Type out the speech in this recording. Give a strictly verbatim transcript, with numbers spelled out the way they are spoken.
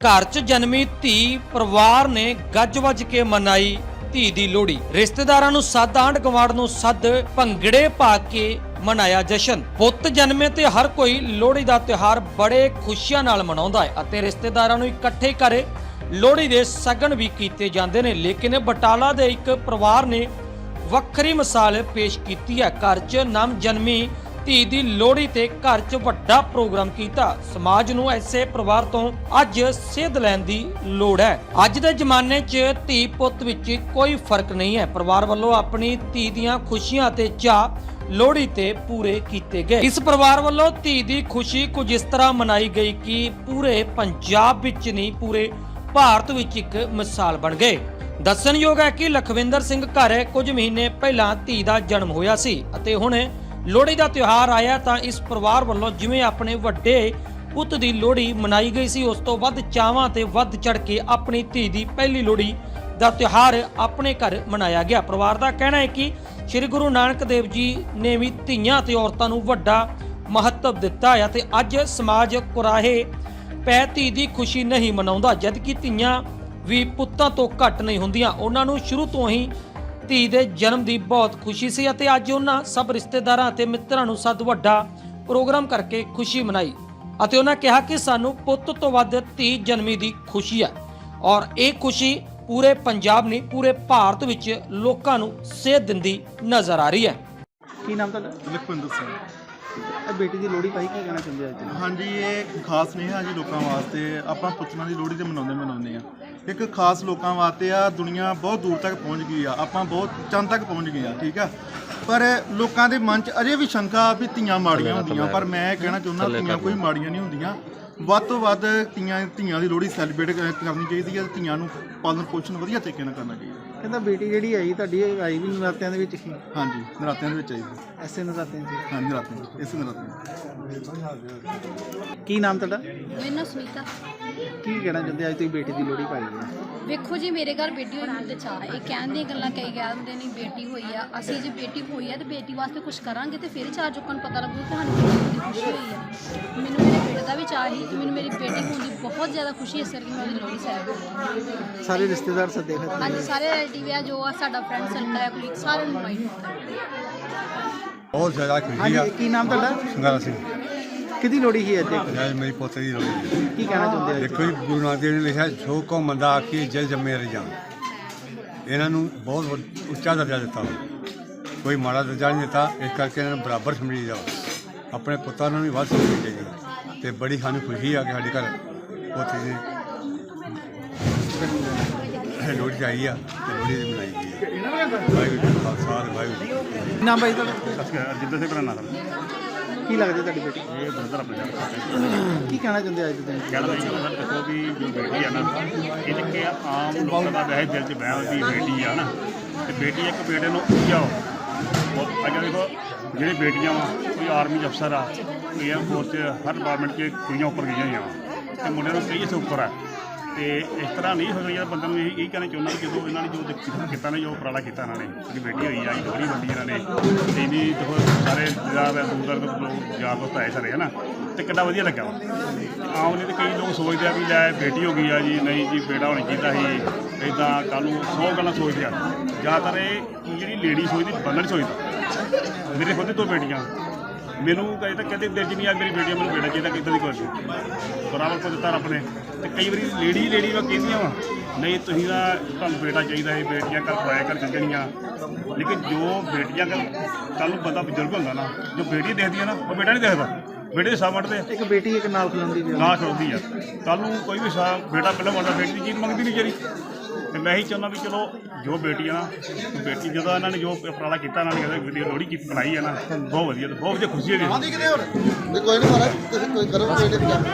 घर च जन्मी धी परिवार ने गज वज के मनाई धी दी लोहड़ी। रिश्तेदारां नूं सੱਦ आंढ गुआंढ नूं सੱਦ भंगड़े पा के मनाया जशन। पुੱਤ जन्मे ते हर कोई लोहड़ी दा त्योहार बड़े खुशियां नाल मनाउंदा है अते रिश्तेदारां नूं इकट्ठे करे लोहड़ी दे सगन भी कीते जांदे ने। लेकिन बटाला दे एक परिवार ने वक्खरी मिसाल पेश कीती है। घर च नम जन्मी धी दी लोहड़ी ते घर च वड्डा प्रोग्राम कीता। समाज नूं ऐसे परिवार तो अज सेध लैण दी लोड़ है। अज दे जमाने च धी पुੱਤ विच कोई फर्क नहीं है। परिवार वालों अपनी धी दीआं खुशियां ते चाह लोहड़ी ते पूरे कीते गए। इस परिवार वालों धी दी खुशी कुछ इस तरह मनाई गई कि पूरे पंजाब विच नहीं पूरे भारत विच एक मिसाल बन गए। दस्सणयोग है कि लखविंदर सिंह घर कुछ महीने पहला धी दा जन्म होया सी अते हुण लोहड़ी दा त्योहार आया तां इस परिवार वालों जिवें अपने वड्डे पुੱਤ दी लोहड़ी मनाई गई सी उस तो वध चावां ते वध चढ़ के अपनी धी दी पहली लोहड़ी दा त्योहार अपने घर मनाया गया। परिवार दा कहना है कि श्री गुरु नानक देव जी ने भी धीआं ते औरतां नूं वड्डा महत्व दिता है ते अज समाज कुराहे पै धी दी खुशी नहीं मनाउंदा जबकि धीआं भी पुੱਤਾਂ ਤੋਂ ਘੱਟ नहीं ਹੁੰਦੀਆਂ। ਉਹਨਾਂ ਨੂੰ ਸ਼ੁਰੂ ਤੋਂ ਹੀ धी ਦੇ जन्म ਦੀ बहुत खुशी ਸੀ ਅਤੇ ਅੱਜ ਉਹਨਾਂ ਸਭ ਰਿਸ਼ਤੇਦਾਰਾਂ ਅਤੇ ਮਿੱਤਰਾਂ ਨੂੰ ਸੱਦ ਵੱਡਾ ਪ੍ਰੋਗਰਾਮ ਕਰਕੇ ਖੁਸ਼ੀ ਮਨਾਈ ਅਤੇ ਉਹਨਾਂ ਕਿਹਾ ਕਿ ਸਾਨੂੰ ਪੁੱਤ ਤੋਂ ਵੱਧ धी ਜਨਮੀ ਦੀ ਖੁਸ਼ੀ ਹੈ ਔਰ ਇਹ ਖੁਸ਼ੀ ਪੂਰੇ ਪੰਜਾਬ ਨਹੀਂ ਪੂਰੇ ਭਾਰਤ ਵਿੱਚ ਲੋਕਾਂ ਨੂੰ ਸੇਧ ਦਿੰਦੀ ਨਜ਼ਰ ਆ ਰਹੀ ਹੈ। ਕੀ ਨਾਮ ਤੁਹਾਡਾ? ਲਖਵਿੰਦਰ ਸਿੰਘ। ਇਹ ਬੇਟੀ ਦੀ ਲੋਹੜੀ ਭਾਈ ਕੀ ਕਹਿਣਾ ਚਾਹੁੰਦੇ ਅੱਜ? ਹਾਂਜੀ, ਇਹ ਖਾਸ ਸੁਨੇਹਾ ਜੀ ਲੋਕਾਂ ਵਾਸਤੇ। ਆਪਾਂ ਪੁੱਤਰਾਂ ਦੀ ਲੋਹੜੀ ਤੇ ਮਨਾਉਂਦੇ ਮਨਾਉਂਦੇ ਆ। ਇੱਕ ਖਾਸ ਲੋਕਾਂ ਵਾਸਤੇ ਆ। ਦੁਨੀਆ ਬਹੁਤ ਦੂਰ ਤੱਕ ਪਹੁੰਚ ਗਈ ਆ, ਆਪਾਂ ਬਹੁਤ ਚੰਦ ਤੱਕ ਪਹੁੰਚ ਗਏ ਆ, ਠੀਕ ਆ। ਪਰ ਲੋਕਾਂ ਦੇ ਮਨ 'ਚ ਅਜੇ ਵੀ ਸ਼ੰਕਾ ਵੀ ਧੀਆਂ ਮਾੜੀਆਂ ਹੁੰਦੀਆਂ, ਪਰ ਮੈਂ ਕਹਿਣਾ ਚਾਹੁੰਦਾ ਧੀਆਂ ਕੋਈ ਮਾੜੀਆਂ ਨਹੀਂ ਹੁੰਦੀਆਂ। ਵੱਧ ਤੋਂ ਵੱਧ ਧੀਆਂ ਧੀਆਂ ਦੀ ਲੋਹੜੀ ਸੈਲੀਬ੍ਰੇਟ ਕਰਨੀ ਚਾਹੀਦੀ ਹੈ। ਧੀਆਂ ਨੂੰ ਪਾਲਣ ਪੋਸ਼ਣ ਵਧੀਆ ਤਰੀਕੇ ਨਾਲ ਕਰਨਾ ਚਾਹੀਦਾ। ਕਹਿੰਦਾ ਬੇਟੀ ਜਿਹੜੀ ਆਈ ਤੁਹਾਡੀ ਆਈ ਵੀ ਨਰਾਤਿਆਂ ਦੇ ਵਿੱਚ ਹੀ? ਹਾਂਜੀ, ਨਰਾਤਿਆਂ ਦੇ ਵਿੱਚ ਆਈ ਸੀ। ਐਸੇ ਨਰਾਤਿਆਂ 'ਚ? ਹਾਂਜੀ, ਨਰਾਤਿਆਂ ਇਸੇ ਨਰਾਤਿਆਂ। ਕੀ ਨਾਮ ਤੁਹਾਡਾ? ਮੇਰਾ ਨਾਮ ਸੁਨੀਤਾ। ਕੀ ਕਹਿਣਾ ਚਾਹੁੰਦੇ ਅੱਜ ਤੁਸੀਂ ਬੇਟੀ ਦੀ ਲੋਹੜੀ ਪਾਈ ਹੈ? ਵੇਖੋ ਜੀ, ਮੇਰੇ ਘਰ ਬੇਟੀ ਹੋਣ ਦੇ ਚਾਅ। ਇਹ ਕਹਿਣ ਦੀਆਂ ਗੱਲਾਂ ਕਈ ਕਹਿ ਦਿੰਦੇ ਨੇ ਬੇਟੀ ਹੋਈ ਆ। ਅਸੀਂ ਜੇ ਬੇਟੀ ਹੋਈ ਆ ਤੇ ਬੇਟੀ ਵਾਸਤੇ ਕੁਝ ਕਰਾਂਗੇ ਤੇ ਫਿਰ ਚਾਰ ਲੋਕਾਂ ਨੂੰ ਪਤਾ ਲੱਗੂ ਕਿ ਸਾਨੂੰ ਬੇਟੀ ਦੀ ਖੁਸ਼ੀ ਹੋਈ ਆ। ਮੈਨੂੰ ਮੇਰੇ ਬੇਟੇ ਦਾ ਵੀ ਚਾਅ ਸੀ ਤੇ ਮੈਨੂੰ ਮੇਰੀ ਬੇਟੀ ਹੋਣ ਦੀ ਬਹੁਤ ਜ਼ਿਆਦਾ ਖੁਸ਼ੀ ਇਸ ਕਰਕੇ ਮੈਂ ਉਹਦੀ ਲੋਹੜੀ ਸੈਲੀਬ੍ਰੇਟ। ਸਾਰੇ ਰਿਸ਼ਤੇਦਾਰ ਸੱਦੇ ਫਿਰ? ਹਾਂਜੀ, ਸਾਰੇ ਰਿਲੇਟਿਵ ਆ ਜੋ ਆ ਸਾਡਾ ਫਰੈਂਡ ਸਰਕਲ ਹੈ ਕੋਈ ਸਾਰਿਆਂ ਨੂੰ ਇਨਵਾਈਟ ਕੀਤਾ। बहुत ज़्यादा खुशी ਹਾਂਜੀ, है। ਕੀ ਨਾਮ ਤੁਹਾਡਾ? संगारा सिंह ਕਿਹਦੀ ਲੋਹੜੀ ਸੀ ਅੱਜ? आज मेरी पोते की लोड़ी है। ਕੀ ਕਹਿਣਾ ਚਾਹੁੰਦੇ ਅੱਜ? देखो जी, गुरु नानक देव ने लिखा सो को मंदा आखी जल जमे रजान। ਇਹਨਾਂ ਨੂੰ ਬਹੁਤ ਵੱਡ- ਉੱਚਾ ਦਰਜਾ ਦਿੱਤਾ, ਕੋਈ ਮਾੜਾ ਦਰਜਾ ਨਹੀਂ ਦਿੱਤਾ। ਇਸ ਕਰਕੇ ਇਹਨਾਂ ਨੂੰ ਬਰਾਬਰ ਸਮਝੀ ਜਾਓ। ਆਪਣੇ ਪੁੱਤਾਂ ਨੂੰ ਵੀ ਵੱਧ ਸਮਝਣੀ ਚਾਹੀਦੀ ਅਤੇ ਬੜੀ ਸਾਨੂੰ ਖੁਸ਼ੀ ਆ ਕਿ ਸਾਡੇ ਘਰ ਪੋਤੀ ਦੀ ਲੋਹੜੀ ਆਈ ਆ ਅਤੇ ਲੋਹੜੀ ਦੀ ਮਨਾਈ ਗਈ ਹੈ। ਵਾਹਿਗੁਰੂ ਜੀ ਕਾ ਖਾਲਸਾ ਵਾਹਿਗੁਰੂ ਜੀ ਕੀ ਫਤਿਹ। ਕੀ ਨਾਮ ਭਾਈ ਤੁਹਾਡਾ? ਜਿੱਦਾਂ ਸੇ ਬਣਾਣਾ ਕੀ ਲੱਗਦੀ ਤੁਹਾਡੀ ਬੇਟੀ? ਇਹ ਬਰਦਰ ਆਪਣੇ ਨਾਲ ਕੀ ਕਹਿਣਾ ਚਾਹੁੰਦੇ ਅੱਜ ਤੁਸੀਂ? ਕਹਿਣਾ ਚਾਹੀਦਾ ਸਰ, ਦੇਖੋ ਵੀ ਜੋ ਬੇਟੀ ਆ ਨਾ, ਇਹ ਤਾਂ ਕਿ ਆਮ ਲੋਕਾਂ ਦਾ ਵੈਸੇ ਦਿਲ 'ਚ ਵਹਿਮ ਵੀ ਬੇਟੀ ਆ ਨਾ, ਤੇ ਬੇਟੀ ਇੱਕ ਬੇਟੇ ਨੂੰ ਉੱਚਾਓ। ਅੱਜ ਦੇਖੋ ਜਿਹੜੇ ਬੇਟੀਆਂ ਵਾ, ਕੋਈ ਆਰਮੀ 'ਚ ਅਫਸਰ ਆ, ਕੋਈ ਏਅਰ ਫੋਰਸ 'ਚ, ਹਰ ਡਿਪਾਰਟਮੈਂਟ 'ਚ ਕੁੜੀਆਂ ਉੱਪਰ ਗਈਆਂ ਹੋਈਆਂ ਵਾ ਅਤੇ ਮੁੰਡਿਆਂ ਨੂੰ ਕਈ ਇੱਥੇ ਉੱਪਰ ਆ। ਅਤੇ ਇਸ ਤਰ੍ਹਾਂ ਨਹੀਂ ਹੋ ਰਿਹਾ। ਬੰਦੇ ਨੂੰ ਇਹ ਕਹਿਣਾ ਚਾਹੁੰਦਾ ਕਿ ਜਦੋਂ ਇਹਨਾਂ ਨੇ ਜੋ ਦਿੱਕ- ਕੀਤਾ ਨਾ, ਜੋ ਉਪਰਾਲਾ ਕੀਤਾ ਇਹਨਾਂ ਨੇ, ਜਿਹੜੀ ਬੇਟੀ ਹੋਈ ਆ, ਲੋਹੜੀ ਵੰਡੀ ਇਹਨਾਂ ਨੇ, ਅਤੇ ਇਹਦੀ ਦੇਖੋ ਸਾਰੇ ਰਿਸ਼ਤੇਦਾਰ ਦੂਰ ਦੂਰ ਤੋਂ ਲੋਕ ਯਾਰ ਦੋਸਤ ਆਏ ਸਾਰੇ, ਹੈ ਨਾ, ਅਤੇ ਕਿੰਨਾ ਵਧੀਆ ਲੱਗਾ ਵਾ। ਆਮ ਨਹੀਂ ਤਾਂ ਕਈ ਲੋਕ ਸੋਚਦੇ ਆ ਵੀ ਲੈ ਬੇਟੀ ਹੋ ਗਈ ਆ ਜੀ, ਨਹੀਂ ਜੀ ਬੇਟਾ ਹੋਣਾ ਚਾਹੀਦਾ ਸੀ, ਇੱਦਾਂ ਕੱਲ੍ਹ ਨੂੰ ਸੌ ਗੱਲਾਂ ਸੋਚਦੇ ਆ। ਜ਼ਿਆਦਾਤਰ ਇਹ ਜਿਹੜੀ ਲੇਡੀ ਸੋਚਦੀ, ਬੰਦਾ ਨਹੀਂ ਸੋਚਦਾ। ਮੇਰੇ ਖੁਦ ਦੋ ਬੇਟੀਆਂ, ਮੈਨੂੰ ਕਦੇ ਤਾਂ ਕਹਿੰਦੇ ਦਿਲ 'ਚ ਨਹੀਂ ਆ ਮੇਰੀ ਬੇਟੀਆਂ, ਮੈਨੂੰ ਬੇਟਾ ਚਾਹੀਦਾ, ਕਿੱਦਾਂ ਦੀ ਕੋਈ ਬਰਾਬਰ ਕੋ ਦਿੱਤਾ ਰੱਬ ਨੇ। ਅਤੇ ਕਈ ਵਾਰੀ ਲੇਡੀ ਲੇਡੀ ਵਾ ਕਹਿੰਦੀਆਂ ਵਾ ਨਹੀਂ ਤੁਸੀਂ ਤਾਂ ਤੁਹਾਨੂੰ ਬੇਟਾ ਚਾਹੀਦਾ ਹੈ, ਬੇਟੀਆਂ ਘਰ ਪਰਾਇਆ ਘਰ ਚੱਲ ਜਾਣੀਆਂ। ਲੇਕਿਨ ਜੋ ਬੇਟੀਆਂ ਘਰ ਕੱਲ੍ਹ ਨੂੰ ਬੰਦਾ ਬਜ਼ੁਰਗ ਹੁੰਦਾ ਨਾ, ਜੋ ਬੇਟੀ ਦੇਖਦੀ ਆ ਨਾ, ਉਹ ਬੇਟਾ ਨਹੀਂ ਦੇਖਦਾ। ਬੇਟੇ ਦੇ ਸਾਹ ਵੱਢਦੇ ਆ, ਇੱਕ ਬੇਟੀ ਇੱਕ ਨਾਲ ਖਲੋਂਦੀ ਵੀ ਨਾ ਖੜੋਦੀ ਆ। ਕੱਲ੍ਹ ਨੂੰ ਕੋਈ ਵੀ ਸਾਹ ਬੇਟਾ ਪਹਿਲਾਂ ਮੰਗਦਾ, ਬੇਟੀ ਦੀ ਚੀਜ਼ ਮੰਗਦੀ ਨਹੀਂ ਜਿਹੜੀ। ਅਤੇ ਮੈਂ ਇਹੀ ਚਾਹੁੰਦਾ ਵੀ ਚਲੋ ਜੋ ਬੇਟੀ ਆ ਨਾ, ਬੇਟੀ ਜਦੋਂ ਇਹਨਾਂ ਨੇ ਜੋ ਉਪਰਾਲਾ ਕੀਤਾ, ਇਹਨਾਂ ਨੇ ਕਹਿੰਦੇ ਵੀਡੀਓ ਲੋਹੜੀ ਕੀ ਬਣਾਈ ਹੈ ਨਾ, ਬਹੁਤ ਵਧੀਆ, ਬਹੁਤ ਵਧੀਆ ਖੁਸ਼ੀ ਹੈ। ਕੋਈ ਨਹੀਂ ਮਹਾਰਾਜ, ਤੁਸੀਂ ਕੋਈ ਕਰੋ ਬੇਟੇ ਦੀ